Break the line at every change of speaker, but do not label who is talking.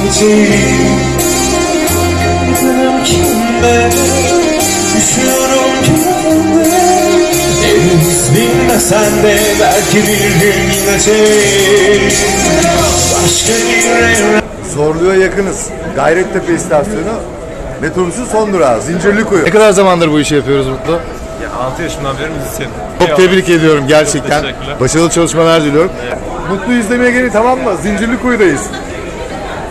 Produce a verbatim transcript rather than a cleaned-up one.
Benim kimde düşüyorum kendime. Henüz bilmesen de belki bir gün gidecek başka bir evren.
Zorlu'ya yakınız. Gayrettepe istasyonu. Metrobüsün son durağı Zincirlikuyu.
Ne kadar zamandır bu işi yapıyoruz Mutlu?
Ya altı yaşından beri müzisyenim.
Çok tebrik ediyorum gerçekten.
teşekkürler.
Başarılı çalışmalar diliyorum.
Mutlu izlemeye gelin, tamam mı? Zincirlikuyu'dayız.